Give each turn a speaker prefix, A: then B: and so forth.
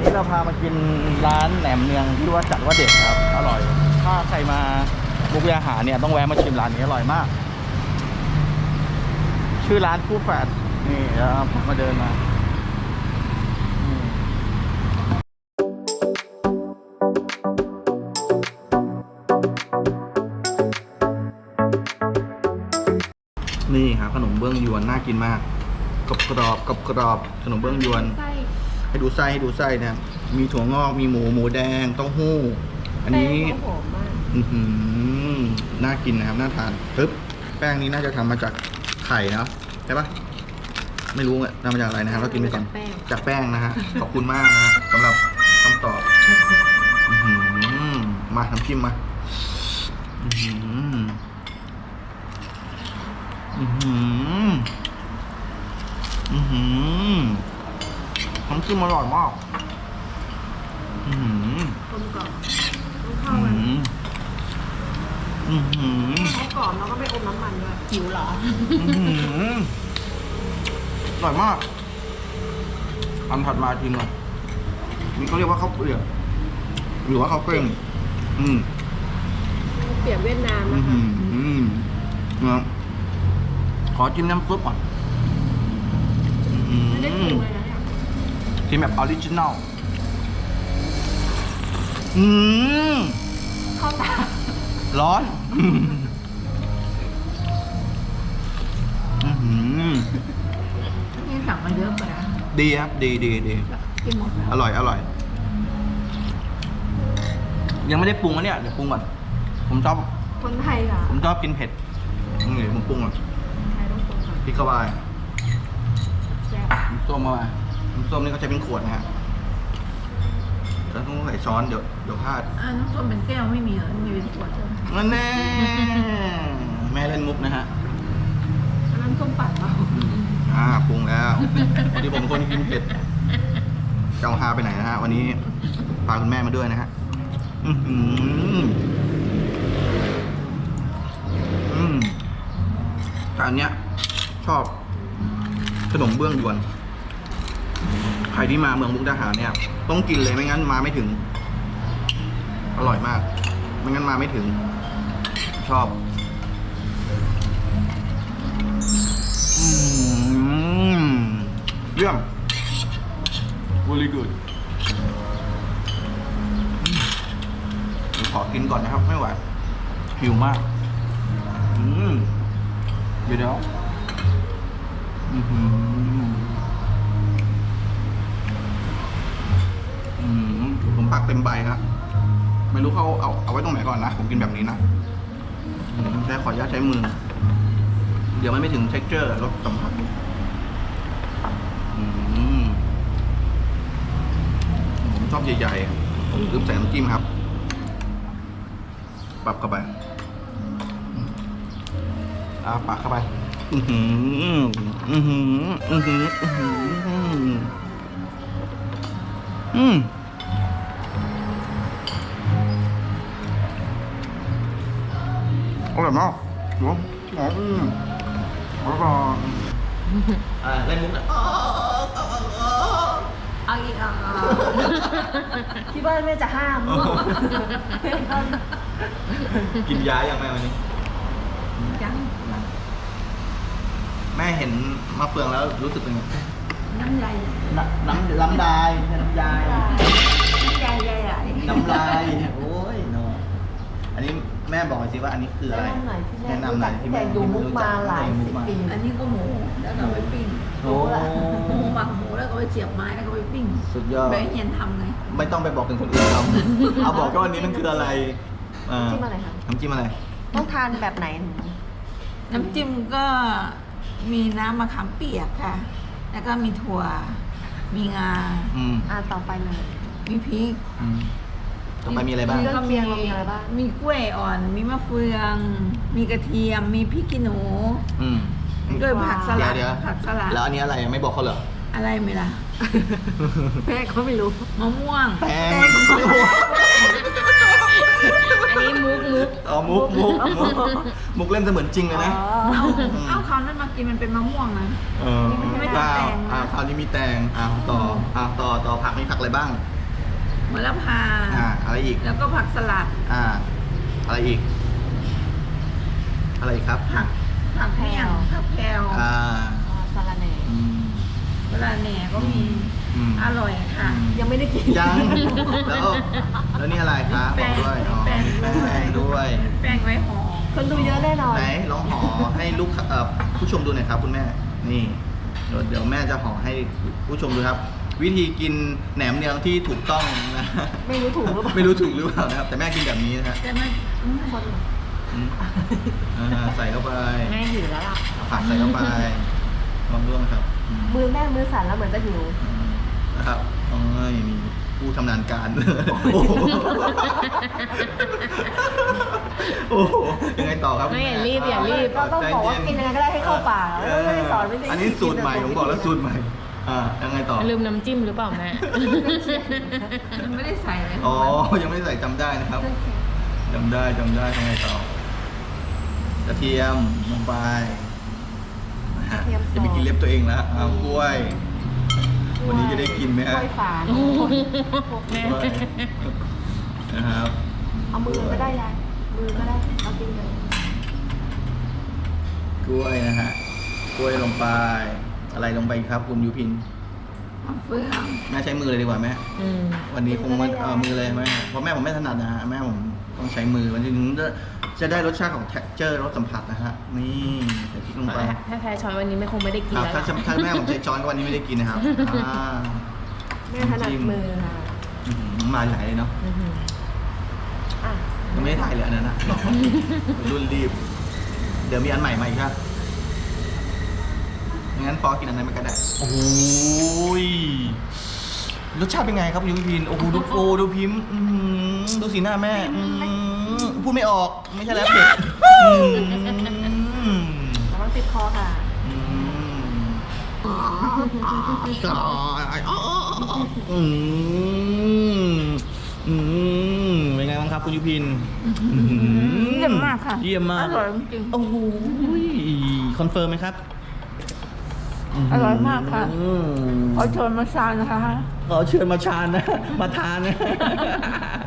A: นี้เราพามากินร้านแหนมเนืองที่ว่าจัดว่าเด็ดครับอร่อย ถ้าใครมามุกดาหารเนี่ยต้องแวะมาชิมร้านนี้อร่อยมาก ชื่อร้านคู่แฝดนี่แล้วมาเดินมานี่ครับขนมเบื้องยวนน่ากินมากกรอบกรอบขนมเบื้องยวนให้ดูไส้นะครับมีถั่วงอกมีหมูแดงเต้าหู้อันนี้น่ากินนะครับน่าทานปึ๊บแป้งนี้น่าจะทำมาจากไข่เนาะใช่ปะไม่รู้ทำมาจากอะไรนะครับเรากินไปก่อนจากแป้งนะฮะขอบคุณมากนะฮะสำหรับคำตอบมาน้ำจิ้มมาน้ำจิ้มอร่อยมาก
B: กลมกล่อมเข้ากันเขากรอบแล้วก็ไม่อมน้ำมันด้วยหิวเหรอ
A: อร่อยมากอันถัดมาทีนึงนี่เขาเรียกว่าข้าวเปลือกหรือว่าข้าวเกล้ง
B: เปรียบเวียดนาม
A: นะขอจิ้มน้ำซุปก่อน
B: ไม่ได้ปรุงเลยนะเนี่ย
A: จิ้มแบบออริจินัล
B: เข้าตา
A: ร้อน
B: นี่สั่งมาเยอะไปนะ
A: ดีครับดี
B: กินหมด
A: อร่อยยังไม่ได้ปรุงนะเนี่ยเดี๋ยวปรุงก่อนผมชอบ
B: คนไทยเหรอ
A: ผมชอบกินเผ็ดนี่ผมปรุงก่อน
B: ไทยต้องปรุงก่อน
A: พริกเข้าไป
B: แซ่บ
A: น้ำส้มเข้าไปน้ำส้มนี่เขาใช้เป็นขวดนะฮะแล้วต้องใส่ช้อนเดี๋ยวพลาด
B: น้ำส้มเป็นแก้วไม่มีเหรอมีเป็นขวดใช่ไหม
A: นั่นแน่แม่เล่นมุกนะฮะ
B: น้ำส้มปั่นเปล่า
A: ปรุงแล้ววันนี้ผมคนกินเผ็ดเจ้าฮาไปไหนนะฮะวันนี้พาคุณแม่มาด้วยนะฮะแต่อันเนี้ยชอบขนมเบื้องยวนใครที่มาเมืองมุกดาหารเนี่ยต้องกินเลยไม่งั้นมาไม่ถึงอร่อยมากไม่งั้นมาไม่ถึงชอบเยี่ยม very good ขอกินก่อนนะครับไม่ไหวหิวมากเดี๋ยวผมปักเต็มใบครับไม่รู้เขาเอาไว้ตรงไหนก่อนนะผมกินแบบนี้นะใช้ขออนุญาตใช้มือเดี๋ยวมันไม่ถึง texture รสสัมผัสผมชอบใหญ่ๆผมลืมใส่น้ำจิ้มครับปรับเข้าไปปากเข้าไปอร่อยมากหอมแล้วก็เล่นมุก
B: เอาอีกที่บ้านแม่จะห้าม
A: กินยาอย่างแม่วันนี้
B: ยัง
A: แม่เห็นมะเฟืองแล้วรู้สึกเป็นไง
B: น้ำลาย
A: น้ำลายน้ำลายน้ำลายโอ้ยเนาะอันนี้แม่บอกหน่อยสิว่าอันนี้คืออะไรแนะนำหน่อยที่แม่
B: ดูมุกมาหลายสิบปีอันนี้ก็หมูแล้วก็ไปปิ้งหมูหมักหมูแล้วก็ไปเสียบไม้แล้วก็ไปปิ้ง
A: สุดยอด
B: แม่เย็นทำไง
A: ไม่ต้องไปบอกถึงคนอื่นทำเอาบอกว่าวันนี้มันคืออะไร
B: น้ำจิ้มอะไรคะ
A: น้ำจิ้มอะไร
B: ต้องทานแบบไหนน้ำจิ้มก็มีน้ำมะขามเปียกค่ะแล้วก็มีถั่วมีงาต่อไปเลยมีพริก
A: ต่อไปมีอะไรบ้าง
B: ก็มีอะไรบ้างมีกล้วยอ่อนมีมะเฟืองมีกระเทียมมีพริกขี้หนูด้วยผักสลัดผักสลัด
A: แล้วอันนี้อะไรไม่บอกเขาเหรอ
B: อะไรไม่ล่ะแม่เขาไม่รู้มะม่วง
A: แตง
B: อันนี้มุก
A: มุกเล่นเสมือนจริงเลยนะ
B: เอาคราวนั้นมากินมันเป็นมะม่วงนะไม่ใช่แตง
A: คราวนี้มีแตงต่อผักมีผักอะไรบ้าง
B: มะละพา
A: อะไรอีก
B: แล้วก็ผักสลัด
A: อะไรอีก อะไรอีกครับ
B: ผักเมี่ยงผักแพรว
C: สาระแหน่
B: เวลาแหน่ก็มีอร่อยค่ะ
C: ยังไม่ได้กิน
A: ยังแล้วนี่อะไรคะบอกด้วยอ๋อมีแป้งด้วย
B: แป้งไว้ห่อ
C: คนดูเยอะแน่นอน
A: ไหนลองห่อให้ลูกผู้ชมดูหน่อยครับคุณแม่ นี่เดี๋ยวแม่จะห่อให้ผู้ชมดูครับ วิธีกินแหนมเนืองที่ถูกต้องนะ
C: ไม่รู้ถูกหรือเปล่า
A: ไม่รู้ถูกหรือเปล่านะครับ แต่แม่กินแบบนี้นะฮะ
B: แต่มัน
C: คน
A: ใส่เข้าไป
C: แม่หิวแล้วล่ะ
A: ผักใส่เข้าไปลองด้วยครับ
C: มือแม่มือสั่นแล้วเหมือนจะหิว
A: นะครับโอ้ยมีผู้ชำนาญการ โอ้โหโอ้โหยังไงต่อครับ
C: ไม่อย่ารีบอย่ารีบก็ต้องบอกว่ากินยังไงก็ได้ให้เข้าปากแล้วไม่ได้สอนไม่ได้
A: อันนี้สูตรใหม่ผมบอกแล้วสูตรใหม่ยังไงต่อ
D: ลืมน้ำจิ้มหรือเปล่าแม่
B: มันไม่ได้ใส่เลย
A: อ๋อยังไม่ได้ใส่จำได้นะครับจำได้ยังไงต่อกระเทียมลงไปนะฮะจะไปกินเล็บตัวเองแล้วกล้วย วันนี้จะได้กินไหม
C: ก
A: ฮะ
C: ล้วยฝาน
D: แม่
A: กล้วยนะครับ
C: เอามือก็ได้ยายมือก็ได้เอากินเลย
A: กล้วยนะฮะกล้วยลงไปอะไรลงไปอีกครับคุณยูพิน
B: มะเฟือง
A: แม่ใช้มือเลยดีกว่าแม่
D: อืม
A: วันนี้คงมือเลยแม่เพราะแม่ผมไม่ถนัดนะฮะแม่ผมต้องใช้มือมันถึงจะได้รสชาติของ texture รสสัมผัสนะฮะนี่ใส่พริกลงไป
D: ถ้าแพ้ช้อยวันนี้ไม่คงไม่ได้กิน
A: ครับ
D: แล้ว
A: ถ้าแม่ผมใช้ช้อนก็วันนี้ไม่ได้กินนะครับอ่า
C: แม่ถนัดมือค่ะ
A: มาไหลเลยเนาะ
D: อื้อหือ
C: อ่ะ
A: ยังไม่ได้ถ่ายเลยอันนั้นนะรอรุ่นรีบ เดี๋ยวมีอันใหม่มาอีกครับงั้นปอกินอันนั้นไม่ก็ได้โอ้ยรสชาติเป็นไงครับคุณยูพินโอ้โหดูพิมพ์ดูสีหน้าแม่พูดไม่ออกไม่ใช่แล้วเผ็ด
C: ระวังติดคอค่ะ
A: เป็นไงบ้างครับคุณยุพิน
B: เยี่ยมมากค่ะ
A: เยี่ยมมาก
B: อร่อยจริง
A: โอ้โหคอนเฟิร์มไหมครับ
B: อร่อยมากค่ะ ขอเชิญมาชานนะคะ
A: ขอเชิญมาชานนะ มาทานนะ